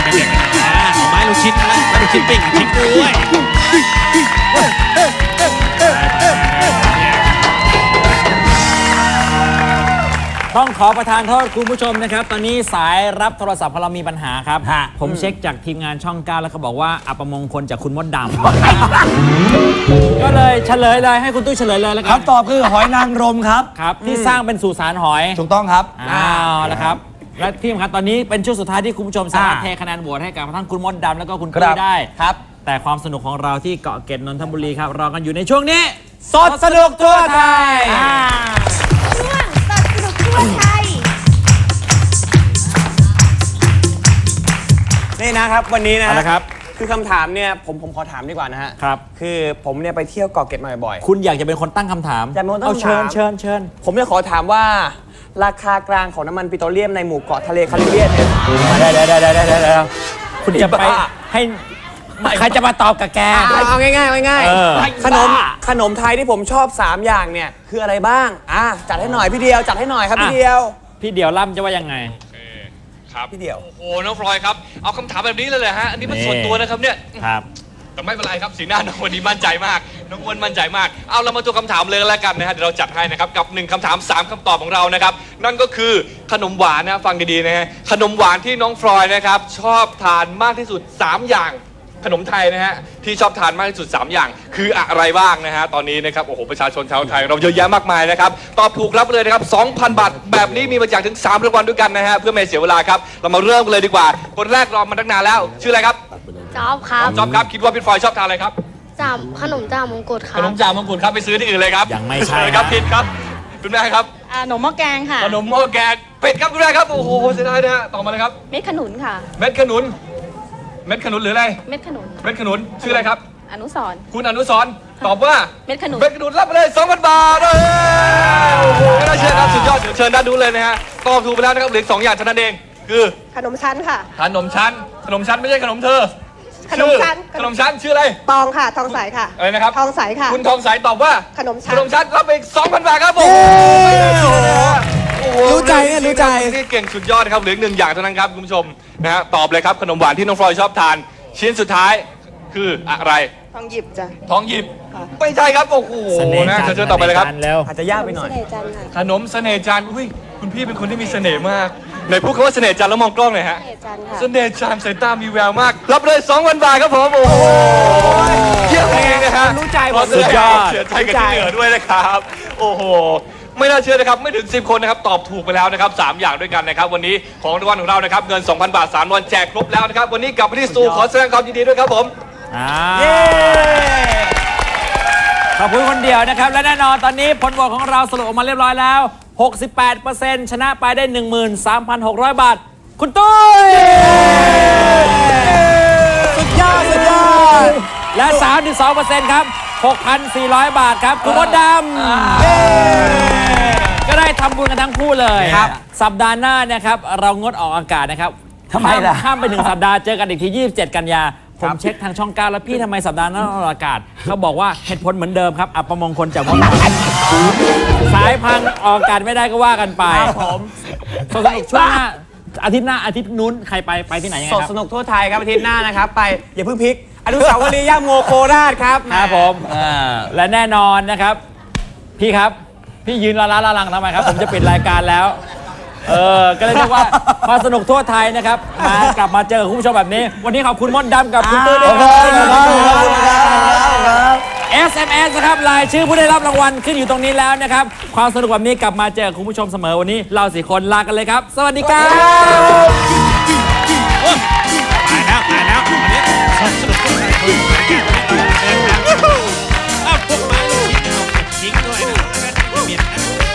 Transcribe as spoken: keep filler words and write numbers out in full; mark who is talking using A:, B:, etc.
A: ไม้ลูกชิ้นนะไม้ลูกชิ้นปิ้งชิ้นด้วย
B: ต้องขอประทานโทษคุณผู้ชมนะครับตอนนี้สายรับโทรศัพท์ของเรามีปัญหาครับผมเช็คจากทีมงานช่องเก้าแล้วเขาบอกว่าอัปมงคลจากคุณมดดำก็เลยเฉลยเลยให้คุณตุ้ยเฉลยเลยแล้วกัน
C: คำตอบคือหอยนางรมครับ
B: ครับที่สร้างเป็นสุสานหอย
C: ถูกต้องครับ
B: อ้าวแล้วครับและที่สำคัญตอนนี้เป็นช่วงสุดท้ายที่คุณผู้ชมสามารถเทคะแนนโหวตให้กับทั้งคุณมดดำแล้วก็คุณตุ้ยได้ครับแต่ความสนุกของเราที่เกาะเกร็ดนนทบุรีครับรอกันอยู่ในช่วงนี้สดสนุกทั่วไทย
D: ช่วงสดสนุกทั่วไทย
E: นี่นะครับวันนี้นะ
B: นะครับ
E: คือคำถามเนี่ยผมผมขอถามดีกว่านะฮะ
B: ครับ
E: คือผมเนี่ยไปเที่ยวเกาะเกร็ดมาบ่อยๆ
B: คุณอยากจะเป็นคนตั้งคำถาม
E: อยากเป็นคนตั้ง
B: เอาเชิญ
E: คำถาม
B: เชิญเชิญ
E: ผมเนี่ยขอถามว่าราคากลางของน้ำมันปิโตรเลียมในหมู่เกาะทะเลแคริบเบียนเนี่ย
B: ได้ได้ได้ได้ได้ได้คุณจะไปให้ใครจะมาตอบกับแก
E: เอาเอาง่ายๆเอาง่าย
B: เออ
E: ๆขนมขนมไทยที่ผมชอบสามอย่างเนี่ยคืออะไรบ้างอ่ะจัดให้หน่อยพี่เดียวจัดให้หน่อยครับพี่เดียว
B: พี่เดี่ยวล่ำจะว่ายังไง
F: ครับ
E: พี่เดียว
F: โอ้โหน้องฟลอยครับเอาคำถามแบบนี้เลยเหรอฮะอันนี้มันส่วนตัวนะครับเนี่ย
B: ครับ
F: แต่ไม่เป็นไรครับสีหน้าน้องวันนี้มั่นใจมากน้องอ้วนมั่นใจมากเอาเรามาตัวคำถามเลยแล้วกันนะฮะเดี๋ยวเราจัดให้นะครับกับหนึ่งคำถามสามคำตอบของเรานะครับนั่นก็คือขนมหวานนะฟังดีๆนะฮะขนมหวานที่น้องฟลอยนะครับชอบทานมากที่สุดสามอย่างขนมไทยนะฮะที่ชอบทานมากที่สุดสามอย่างคืออะไรบ้างนะฮะตอนนี้นะครับโอ้โหประชาชนชาวไทยเราเยอะแยะมากมายนะครับตอบถูกรับไปเลยนะครับ สองพัน บาทแบบนี้มีมาจากถึงสามรางวัลด้วยกันนะฮะเพื่อไม่เสียเวลาครับเรามาเริ่มกันเลยดีกว่าคนแรกรอมาตั้งนานแล้วชื่ออะไรครับ
D: จอบครับ
F: จอบครับคิดว่าพี่ฟลอยชอบทานอะไรครับ
D: จามขนมจามมงกุฎครั
F: ข
D: บ
F: นมจ่ามงกุฎครับไปซื้อที่อื่นเลยครับ
B: ยังไม่ใช่
F: ครับ
B: นะ
F: ผิดครับคุณแม่ครับ
G: อ่าหนมหม้อแกงค่ะ
F: ขนมหม้อแกงเป็ดครับคุณแม่ครับโอ้โหเสียดายนะฮะต่อมาเลยครับ
G: เม็ดขนุนค่ะ
F: เม็ดขนุนเม็ดขนุนหรืออะไร
G: เม็ดขนุน
F: เม็ดขนุนชื่ออะไรครับ
G: อนุสรณ์
F: คุณอนุสรณ์ตอบว่า
G: เม็ดขนุน
F: เม็ดขนุนรับไปเลย สองพัน บาทเลยโอ้โหไม่น่าเชื่อครับสุดยอดเชิญด้านนู้นเลยนะฮะตอบถูกไปแล้วนะครับเหลืออกสองอย่างเท่านั้นเองคือ
H: ขนมชั้นค่ะ
F: ขนมชั้นขนมชั้นไม่ใช่ขนมเธอ
H: ขนมชั้น
F: ชื่อขนมชั้นชื่ออะไร
H: ตองค่ะ ทองใสค่ะ
F: อะไรนะครับ
H: ทองใสค่ะ
F: คุณทองใสตอบว่า
H: ขนม
F: ข
H: ชั้น
F: นมชั้นรับไปอีก สองพัน บาทครับผมโอ้โห
E: รู้ใจเนี่ยรู้ใจ
F: นี่เก่งสุดยอดนะครับเหลืออีกหนึ่งอย่างเท่านั้นครับคุณผู้ชมนะฮะตอบเลยครับขนมหวานที่น้องฟลอยชอบทาน ชิ้นสุดท้ายคืออะไร
H: ทองหยิบจ้ะ
F: ทองหยิบไม่ใช่ครับโอ้โห
B: เสน่ห์
F: นะ
B: จันทร์
F: เชิญต่อไปเลยครับ
B: สน่ห์จันทแล้ว
E: อาจจะยากไปหน่อย
H: เสน่ห์จันทร์ค่ะ
F: ขนมเสน่ห์จันทร์อุ้ยคุณพี่เป็นคนที่มีเสน่ห์มากไหนพูดคำว่าเสน่ห์จันทร์แล้วมองกล้องหน่อยฮะ
H: เสน่ห์จันทร์ค่ะ
F: เสน่ห์จันทร์สายตามีแววมาก รับเลย สองพัน บาทครับผมโอ้โหเยี่ยมจริงๆนะฮะ
E: รู้ใจ
F: ขอแสดง
B: สุดยอด
F: ความเสียใจกับที่เหลือด้วยนะครับโอ้โหไม่น่าเชื่อนะครับไม่ถึงสิบคนนะครับตอบถูกไปแล้วนะครับสามอย่างด้วยกันนะครับวันนี้ของรางวัลของเรานะครับเงิน สองพัน บาทสามรางวัลแจกครบแล้วนะครับวันนี้กลับไปที่สตูขอแสดงความยินดีด้วยครับผม
B: อ่าขอบคุณคนเดียวนะครับและแน่นอนตอนนี้ผลโหวตของเราสรุปออกมาเรียบร้อยแล้ว หกสิบแปดเปอร์เซ็นต์ ชนะไปได้ หนึ่งหมื่นสามพันหกร้อย บาท คุณตุ้ยสุดยอดสุดยอดและ สามสิบสองเปอร์เซ็นต์ ครับ หกพันสี่ร้อย บาทครับคุณมดดำก็ได้ทำบุญกันทั้งคู่เลยสัปดาห์หน้านะครับเรางดออกอากาศนะครับ
C: ทำไมล่ะ
B: ข้ามไปหนึ่งสัปดาห์เจอกันอีกทียี่สิบเจ็ดกันยาผมเช็คทางช่องเก้าแล้วพี่ทำไมสัปดาห์หน้าออกอากาศเขาบอกว่าเหตุผลเหมือนเดิมครับอัปมงคลจากมดสายพังออกอากาศไม่ได้ก็ว่ากันไปผมสนุกช่วงหน้าอาทิตย์หน้าอาทิตย์นู้นใครไปไปที่ไหนยังไง
E: ส
B: ค
E: ด
B: รับ
E: สนุกทั่วไทยครับอาทิตย์หน้านะครับไปอย่าเพิ่งพลิกอนุสาวรีย์ย่าโมโคราชครับ
B: ครับผมและแน่นอนนะครับ พี่ครับพี่ยืนละล้าละลังทำไมครับ ผมจะปิดรายการแล้วเออก็เลยเรียกว่ามาสนุกทั่วไทยนะครับมากลับมาเจอคุณผู้ชมแบบนี้ วันนี้ขอบคุณมดดำกับคุณตุ้ยด้วยครับ เอส เอ็ม เอส นะครับรายชื่อผู้ได้รับรางวัลขึ้นอยู่ตรงนี้แล้วนะครับความสนุกแบบนี้กลับมาเจอคุณผู้ชมเสมอวันนี้เราสี่คนลากันเลยครับ สวัสดีครับ
A: ตายแล้วตายแล้ววันนี้สนุกทุกคนคุยกันเดินทางอ้าวพวกไม้ลูกชิ้นเอาทิ้งด้วยนะเมียนนะ